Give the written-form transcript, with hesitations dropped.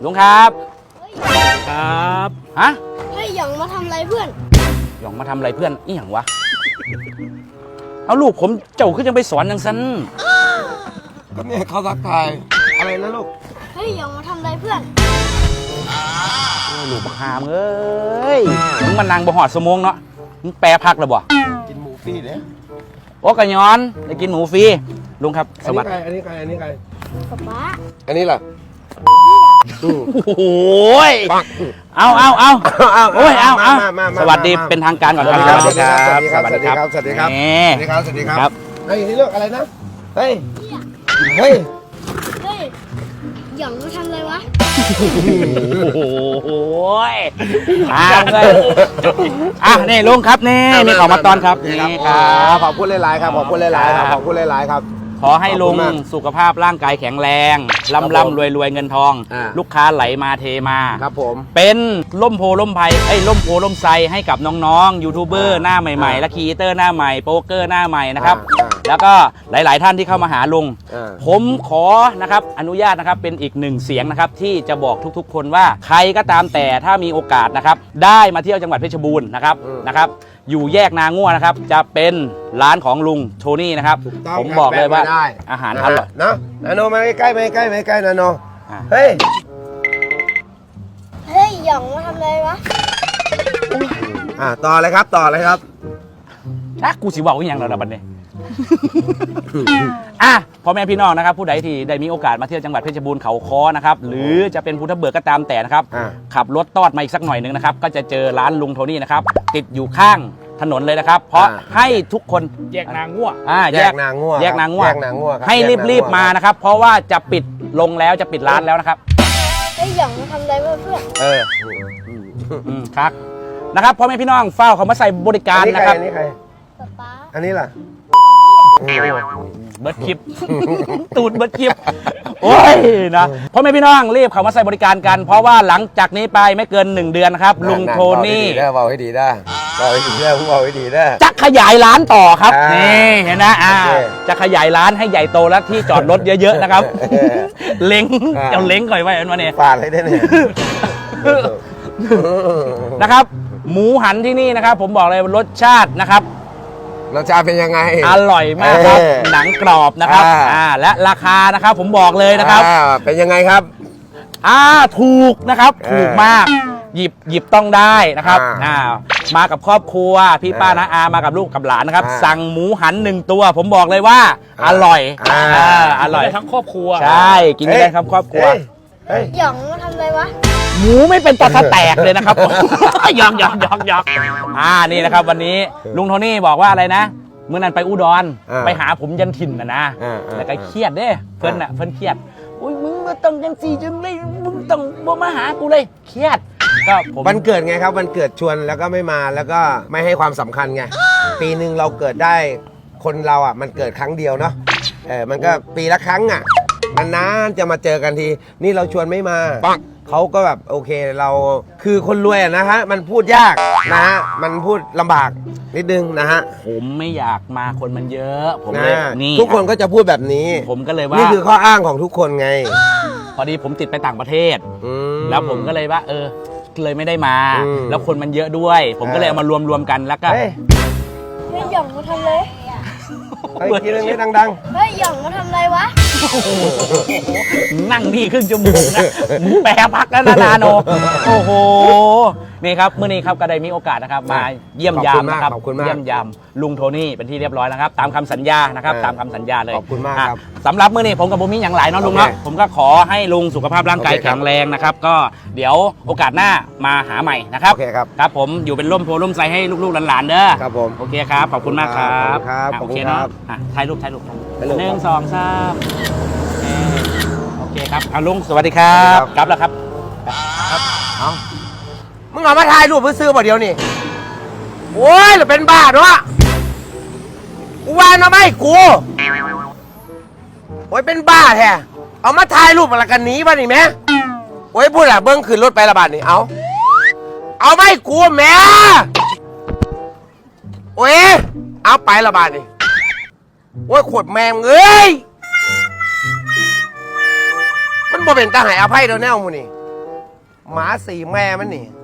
ลุงครับครับฮะให้หยองมาทำอะไรเพื่อนหยองมาทำอะไรเพื่อนอีหยังวะเอาลูกผมเจ้าขึ้นยังไปสอนยังซันก็เนี่ยเขาทักทายอะไรนะลูกให้หยองมาทำอะไรเพื่อนลูกบักหามเอ้ยมึงมันนางบ่หอดสมงเนาะมึงแปรพักแล้วบ่กินหมูฟรีเนี่ยโอ้กะย้อนได้กินหมูฟรีลุงครับสวัสดีอันนี้ใครป๊าอันนี้ล่ะโอ้โหเอาโอ้ยเอาสวัสดีเป็นทางการก่อนครับสวัสดีครับสวัสดีครับสวัสดีครับนี่สวัสดีครับสวัสดีครับครับไอ้นี่ลูกอะไรนะเฮ้ยเฮ้ยเฮ้ยหยองมาทำอะไรวะโอ้โหมาเลยนี่ลุงครับนี่ของมาตอนครับนี่ครับขอบคุณหลายๆครับขอบคุณหลายๆครับขอบคุณหลายๆครับขอให้ลุงสุขภาพร่างกายแข็งแรงร่ำรวยเงินทอง ลูกค้าไหลมาเทมาครับผมเป็นล่มโพล่มไพล่มโพล่มไซให้กับน้องๆยูทูบเบอร์หน้าใหม่ๆและครีเอเตอร์หน้าใหม่โป๊กเกอร์หน้าใหม่นะครับแล้วก็หลายๆท่านที่เข้ามาหาลุงผมขอนะครับอนุญาตนะครับเป็นอีกหนึ่งเสียงนะครับที่จะบอกทุกๆคนว่าใครก็ตามแต่ถ้ามีโอกาสนะครับได้มาเที่ยวจังหวัดเพชรบูรณ์นะครับอยู่แยกนาง่วนะครับจะเป็นร้านของลุงโทนี่นะครับผมบอกเลยว่าอาหารอร่อยนะนาโนมาใกล้นาโนเฮ้ยเฮ้ยหยองมาทำอะไรวะต่อเลยครับกูสิบอกว่าอย่างเราบัดนี้ พ่อแม่พี่น้องนะครับผู้ใดที่ได้มีโอกาสมาเที่ยวจังหวัดเพชรบูรณ์เขาค้อนะครับหรือจะเป็นภูทับเบิกก็ตามแต่นะครับขับรถตอดมาอีกสักหน่อยนึงนะครับก็จะเจอร้านลุงโทนี่นะครับติดอยู่ข้างถนนเลยนะครับเพราะให้ทุกคนแยกนางง่วแยกนางง่วให้รีบมานะครับเพราะว่าจะปิดลงแล้วจะปิดร้านแล้วนะครับเฮ้ยหยองมาทำอะไรเพื่อนครับนะครับพ่อแม่พี่น้องเฝ้าเขามาใส่บริการนะครับอันนี้ใครป๊าอันนี้ล่ะเบิร์ดคลิป ตูดเบิร์ดคลิปโอ้ยนะพ่อแม่พี่น้องรีบเขามาใส่บริการกันเพราะว่าหลังจากนี้ไปไม่เกิน1 เดือนนะครับลุงโทนี่เบาให้ดีได้จะขยายร้านต่อครับนี่เห็นนะจะขยายร้านให้ใหญ่โตและที่จอดรถเยอะๆนะครับเล้งเอาเล้งก่อยไว้วันนี้ฟาดเลยได้เนี่ยนะครับหมูหันที่นี่นะครับผมบอกเลยรสชาตินะครับรสชาติเป็นยังไงอร่อยมากครับหนังกรอบนะครับและราคานะครับผมบอกเลยนะครับเป็นยังไงครับถูกนะครับถูกมากหยิบต้องได้นะครับมากับครอบครัวพี่ป้าน้าอามากับลูกกับหลานนะครับสั่งหมูหัน1 ตัวผมบอกเลยว่าอร่อยอร่อยทั้งครอบครัวใช่กินได้ทั้งครอบครัวหยองมาทำอะไรวะหมูไม่เป็นตะแตกเลยนะครับหยอกนี่นะครับวันนี้ลุงโทนี่บอกว่าอะไรนะเมื่อนั้นไปอุดรไปหาผมยันถิ่นนะแล้วก็เครียดเด้เพิ่นเครียดอุ้ยมึงมาต้องยัง4 จังเลยมึงต้องมาหากูเลยเครียดก็ผมวันเกิดไงครับวันเกิดชวนแล้วก็ไม่มาแล้วก็ไม่ให้ความสำคัญไงปีหนึ่งเราเกิดได้คนเรามันเกิดครั้งเดียวเนาะมันก็ปีละครั้งนานๆจะมาเจอกันทีนี่เราชวนไม่มาเขาก็แบบโอเคเราคือคนรวยนะฮะมันพูดยากนะฮะมันพูดลำบากนิดนึงนะฮะผมไม่อยากมาคนมันเยอะผมเลยนี่ทุกคนก็จะพูดแบบนี้ผมก็เลยว่านี่คือข้ออ้างของทุกคนไงพอดีผมติดไปต่างประเทศแล้วผมก็เลยว่าเลยไม่ได้มาแล้วคนมันเยอะด้วยผมก็เลยเอามารวมกันแล้วก็เฮ้ยหยองมาทำอะไรกินเรื่องนี้ดังเฮ้ยหยองมาทำอะไรวะนั่งนี่ครึ่งชั่วโมงนะแปรพักแล้วนะนาโนโอ้โหนี่ครับเมื่อนี้ครับก็ได้มีโอกาสนะครับมาเยี่ยมยามนะครับเยี่ยมยามลุงโทนี่เป็นที่เรียบร้อยแล้วครับตามคำสัญญานะครับตามคำสัญญาเลยขอบคุณมากครับสำหรับเมื่อนี้ผมกับบุมิอย่างหลายเนาะลุงเนาะผมก็ขอให้ลุงสุขภาพร่างกายแข็งแรงนะครับก็เดี๋ยวโอกาสหน้ามาหาใหม่นะครับครับผมอยู่เป็นร่มโพล่มไทรให้ลูกๆหลานๆเด้อครับผมโอเคครับขอบคุณมากครับโอเคเนาะถ่ายรูป1 2 3โอเคครับลุงสวัสดีครับครับแล้วครับเอามึงเอามาถ่ายรูปเพื่อซื้อบ่เดียวนี่โอ้ยหรือเป็นบ้าด้วยกูวานมาไม่กูโอ้ยเป็นบ้าแท้เอามาถ่ายรูปอะไรกันนี้บ้านี่แม่โอ้ยพูดอะเบิ้งขึ้นรถไประบาดนี่เอาไม่กูแม่โอ้ยเอาไประบาดนี่โอ้ยขวดแมงเอ้ยมันบ่เป็นตาหายอภัยเดี๋ยวแน่มูนี่หมาสี่แม่มันนี่